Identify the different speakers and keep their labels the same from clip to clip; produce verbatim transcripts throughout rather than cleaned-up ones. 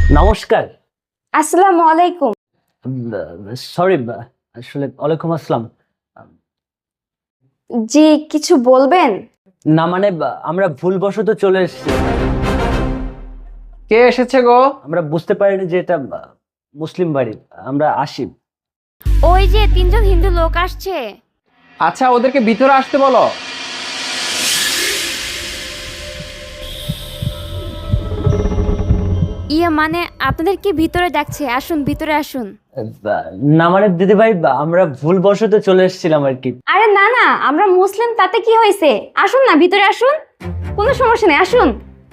Speaker 1: নমস্কার।
Speaker 2: আসসালামু আলাইকুম।
Speaker 1: সরি, আসলে ওয়ালাইকুম আসসালাম।
Speaker 2: জি, কিছু বলবেন?
Speaker 1: না মানে আমরা ভুলবশত চলে এসেছি।
Speaker 3: কে এসেছে গো?
Speaker 1: আমরা বুঝতে পারিনি যে এটা মুসলিম বাড়ি। আমরা আসি।
Speaker 4: ওই যে তিনজন হিন্দু লোক আসছে।
Speaker 3: আচ্ছা, ওদেরকে ভিতরে আসতে বলো।
Speaker 4: ইয়ে মানে আপনাদের কি ভিতরে ডাকছে? আসুন, ভিতরে আসুন।
Speaker 1: না মানে দিদি ভাই, আমরা ভুলবশত চলে এসেছিলাম আর কি।
Speaker 2: আরে না না, আমরা মুসলিম, তাতে কি হয়েছে? আসুন না, ভিতরে আসুন, কোনো সমস্যা নেই, আসুন।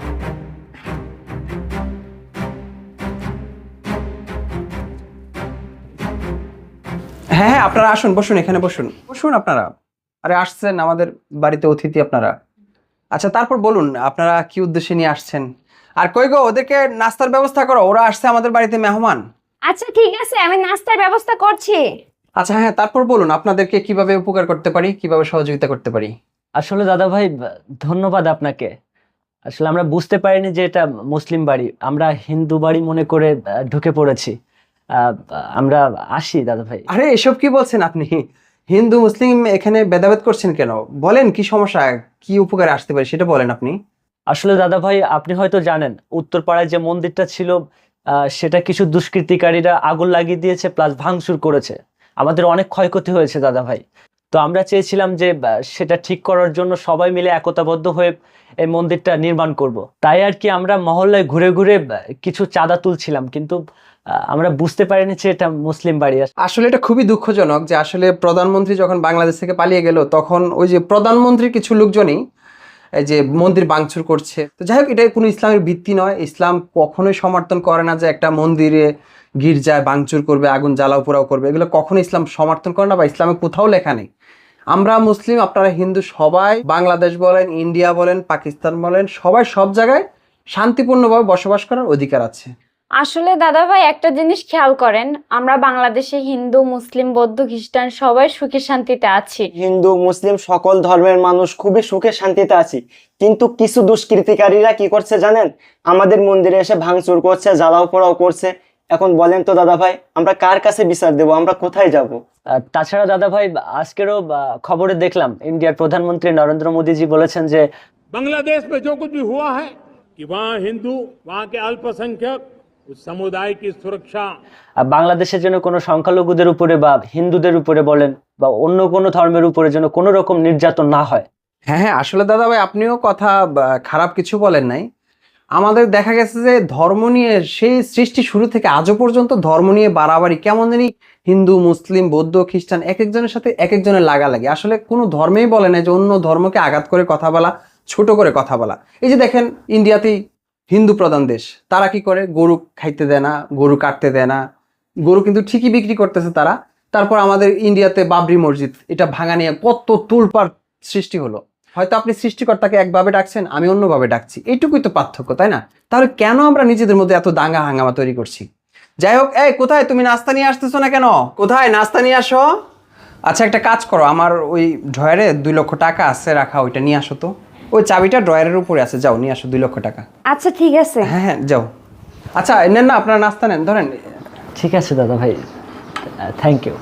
Speaker 3: হ্যাঁ হ্যাঁ, আপনারা আসুন, বসুন, এখানে বসুন বসুন আপনারা। আরে আসছেন আমাদের বাড়িতে অতিথি আপনারা। আচ্ছা, তারপর বলুন আপনারা কি উদ্দেশ্যে নিয়ে আসছেন। আর কই গো, ওদেরকে নাস্তার ব্যবস্থা করো, ওরা আসছে আমাদের বাড়িতে মেহমান।
Speaker 2: আচ্ছা ঠিক আছে, আমি নাস্তার ব্যবস্থা করছি।
Speaker 3: আচ্ছা হ্যাঁ, তারপর বলুন আপনাদেরকে কিভাবে উপকার করতে পারি, কিভাবে সহযোগিতা করতে পারি।
Speaker 1: আসলে দাদা ভাই, ধন্যবাদ আপনাকে। আসলে আমরা বুঝতে পারিনি যে এটা মুসলিম বাড়ি, আমরা হিন্দু বাড়ি মনে করে ঢুকে পড়েছি। আহ, আমরা আসি দাদা ভাই।
Speaker 3: আরে এসব কি বলছেন আপনি? হিন্দু মুসলিম এখানে ভেদাভেদ করছেন কেন? বলেন কি সমস্যা, কি উপকারে আসতে পারি সেটা বলেন আপনি।
Speaker 1: আসলে দাদা ভাই, আপনি হয়তো জানেন উত্তরপাড়ায় যে মন্দিরটা ছিল, আহ, সেটা কিছু দুষ্কৃতিকারীরা আগুন লাগিয়ে দিয়েছে, প্লাস ভাঙচুর করেছে। আমাদের অনেক ক্ষয়ক্ষতি হয়েছে দাদা ভাই। তো আমরা চেয়েছিলাম যে আহ, সেটা ঠিক করার জন্য সবাই মিলে একতাবদ্ধ হয়ে এই মন্দিরটা নির্মাণ করব। তাই আর কি আমরা মহল্লায় ঘুরে ঘুরে আহ, কিছু চাঁদা তুলছিলাম, কিন্তু আহ, আমরা বুঝতে পারিনি যে এটা মুসলিম বাড়ি।
Speaker 3: আসলে এটা খুবই দুঃখজনক যে আসলে প্রধানমন্ত্রী যখন বাংলাদেশ থেকে পালিয়ে গেল, তখন ওই যে প্রধানমন্ত্রীর কিছু লোকজনই এই যে মন্দির ভাঙচুর করছে। তো যাই হোক, এটা কোনো ইসলামের ভিত্তি নয়। ইসলাম কখনোই সমর্থন করে না যে একটা মন্দিরে গির্জায় ভাঙচুর করবে, আগুন জ্বালাও পোড়াও করবে। এগুলো কখনো ইসলাম সমর্থন করে না, বা ইসলামে কোথাও লেখা নেই। আমরা মুসলিম, আপনারা হিন্দু, সবাই বাংলাদেশ বলেন, ইন্ডিয়া বলেন, পাকিস্তান বলেন, সবাই সব জায়গায় শান্তিপূর্ণভাবে বসবাস করার অধিকার আছে।
Speaker 2: আসলে দাদা ভাই, একটা জিনিস খেয়াল করেন, আমরা বাংলাদেশে হিন্দু, মুসলিম, বৌদ্ধ, খ্রিস্টান সবাই সুখে শান্তিতে আছি।
Speaker 5: হিন্দু মুসলিম সকল ধর্মের মানুষ খুবই সুখে শান্তিতে আছি, কিন্তু কিছু দুষ্কৃতিকারীরা কি করছে জানেন? আমাদের মন্দিরে এসে ভাঙচুর করছে, জ্বালাও পোড়াও করছে। এখন বলেন তো দাদা ভাই, আমরা কার কাছে বিচার দেবো? আমরা কোথায় যাব?
Speaker 1: আহ, তাছাড়া দাদা ভাই, আজকেরও আহ, খবরে দেখলাম ইন্ডিয়ার প্রধানমন্ত্রী নরেন্দ্র মোদীজি বলেছেন যে
Speaker 6: बांग्लादेश में जो कुछ भी हुआ है कि वहाँ हिंदू, वहाँ के अल्पसंख्यक, उस समुदाय की सुरक्षा।
Speaker 1: আহ, বাংলাদেশের জন্য কোনো সংখ্যালঘুদের উপরে বা হিন্দুদের উপরে বলেন বা অন্য কোনো ধর্মের উপরে যেন কোনো রকম নির্যাতন না হয়।
Speaker 3: হ্যাঁ হ্যাঁ, আসলে দাদা ভাই, আপনিও কথা বা, খারাপ কিছু বলেন নাই। আমাদের দেখা গেছে যে ধর্ম নিয়ে সেই সৃষ্টি শুরু থেকে আজও পর্যন্ত ধর্ম নিয়ে বাড়াবাড়ি কেমন জানি, হিন্দু মুসলিম বৌদ্ধ খ্রিস্টান এক একজনের সাথে এক একজনের লাগালাগি। আসলে কোনো ধর্মেই বলে না যে অন্য ধর্মকে আঘাত করে কথা বলা, ছোট করে কথা বলা। এই যে দেখেন, ইন্ডিয়াতেই হিন্দু প্রধান দেশ, তারা কি করে? গরু খাইতে দেয় না, গরু কাটতে দেয় না, গরু কিন্তু ঠিকই বিক্রি করতেছে তারা। তারপর আমাদের ইন্ডিয়াতে বাবরি মসজিদ, এটা ভাঙা নিয়ে কত তুলপাড় সৃষ্টি হলো। হয়তো আপনি সৃষ্টিকর্তাকে একভাবে ডাকছেন, আমি অন্যভাবে ডাকছি, এইটুকুই তো পার্থক্য, তাই না? তাহলে কেন আমরা নিজেদের মধ্যে এত দাঙ্গা হাঙ্গামা তৈরি করছি? যাই হোক, এই কোথায় তুমি নাস্তা নিয়ে আসতেছো না কেন? কোথায় নাস্তা নিয়ে আসো? আচ্ছা, একটা কাজ করো, আমার ওই ড্রয়ারে দুই লক্ষ টাকা আছে রাখা, ওইটা নিয়ে আসো তো। ওই চাবিটা ড্রয়ারের উপরে আছে, যাও নিয়ে আসো দুই লক্ষ টাকা।
Speaker 2: আচ্ছা ঠিক আছে।
Speaker 3: হ্যাঁ হ্যাঁ, যাও। আচ্ছা নেন না, আপনারা নাস্তা নেন, ধরেন।
Speaker 1: ঠিক আছে দাদা ভাই, থ্যাংক ইউ।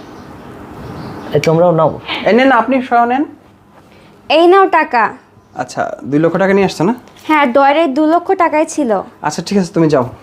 Speaker 1: তোমরাও নাও।
Speaker 3: এই নেন না, আপনি সহ নেন।
Speaker 2: এই নাও টাকা।
Speaker 3: আচ্ছা, দুই লক্ষ টাকা নিয়ে আসছো না?
Speaker 2: হ্যাঁ, ডয়ারে দু লক্ষ টাকাই ছিল।
Speaker 3: আচ্ছা ঠিক আছে, তুমি যাও।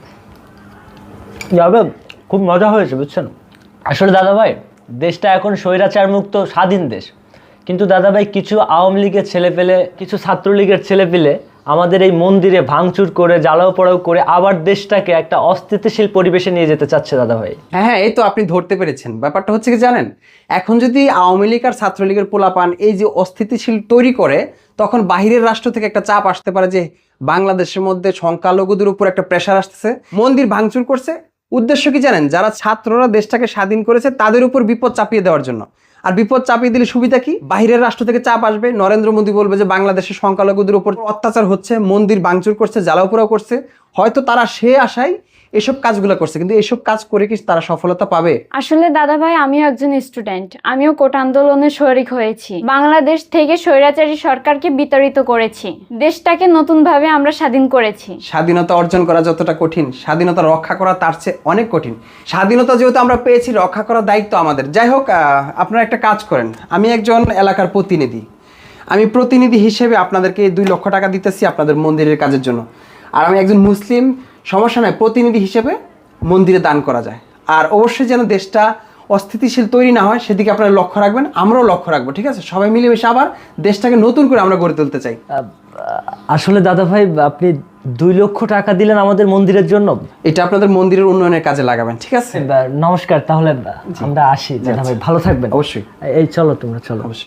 Speaker 1: যাবে, খুব মজা হয়েছে বুঝছেন। আসলে দাদা ভাই, দেশটা এখন স্বৈরাচার মুক্ত স্বাধীন দেশ, কিন্তু দাদা ভাই কিছু আওয়ামী লীগের ছেলে পেলে, কিছু ছাত্রলীগের ছেলে পেলে আমাদের এই মন্দিরে ভাঙচুর করে জ্বালাও পোড়াও করে আবার দেশটাকে একটা অস্থিতিশীল পরিবেশে নিয়ে যেতে চাচ্ছে দাদা ভাই।
Speaker 3: হ্যাঁ হ্যাঁ, এই তো আপনি ধরতে পেরেছেন। ব্যাপারটা হচ্ছে কি জানেন, এখন যদি আওয়ামী লীগ আর ছাত্রলীগের পোলাপান এই যে অস্থিতিশীল তৈরি করে, তখন বাহিরের রাষ্ট্র থেকে একটা চাপ আসতে পারে যে বাংলাদেশের মধ্যে সংখ্যালঘুদের উপর একটা প্রেশার আসতেছে, মন্দির ভাঙচুর করছে। উদ্দেশ্য কি জানেন? যারা ছাত্ররা দেশটাকে স্বাধীন করেছে তাদের উপর বিপদ চাপিয়ে দেওয়ার জন্য। আর বিপদ চাপিয়ে দিলে সুবিধা কি? বাহিরের রাষ্ট্র থেকে চাপ আসবে, নরেন্দ্র মোদী বলবে যে বাংলাদেশের সংখ্যালঘুদের উপর অত্যাচার হচ্ছে, মন্দির ভাঙচুর করছে, জ্বালাও পোড়াও করছে। হয়তো তারা সে আশায় এসব কাজগুলো করছে, কিন্তু এসব কাজ করে কি তারা সফলতা পাবে?
Speaker 2: আসলে দাদা ভাই, আমিও একজন স্টুডেন্ট, আমিও কোটা আন্দোলনে শরিক হয়েছি। বাংলাদেশ থেকে স্বৈরাচারী সরকারকে বিতাড়িত করেছি, দেশটাকে নতুন ভাবে আমরা স্বাধীন করেছি।
Speaker 3: স্বাধীনতা অর্জন করা যতটা কঠিন, স্বাধীনতা রক্ষা করা তার চেয়ে অনেক কঠিন। স্বাধীনতা যেহেতু আমরা পেয়েছি, রক্ষা করার দায়িত্ব আমাদের। যাই হোক, আহ, আপনারা একটা কাজ করেন, আমি একজন এলাকার প্রতিনিধি, আমি প্রতিনিধি হিসেবে আপনাদেরকে দুই লক্ষ টাকা দিতেছি আপনাদের মন্দিরের কাজের জন্য। আর আমি একজন মুসলিম, সমস্যা নয়, প্রতিনিধি হিসেবে মন্দিরে দান করা যায়। আর অবশ্যই যেন দেশটা অস্থিতিশীল তৈরি না হয় সেদিকে আপনারা লক্ষ্য রাখবেন, আমরাও লক্ষ্য রাখবো, ঠিক আছে? সবাই মিলেমিশে আবার দেশটাকে নতুন করে আমরা গড়ে তুলতে চাই।
Speaker 1: আহ, আসলে দাদা ভাই, আপনি দুই লক্ষ টাকা দিলেন আমাদের মন্দিরের জন্য।
Speaker 3: এটা আপনাদের মন্দিরের উন্নয়নের কাজে লাগাবেন, ঠিক আছে?
Speaker 1: নমস্কার, তাহলে আমরা আসি দাদা ভাই, ভালো থাকবেন।
Speaker 3: অবশ্যই
Speaker 1: এই চলো, তোমরা চলো।
Speaker 3: অবশ্যই।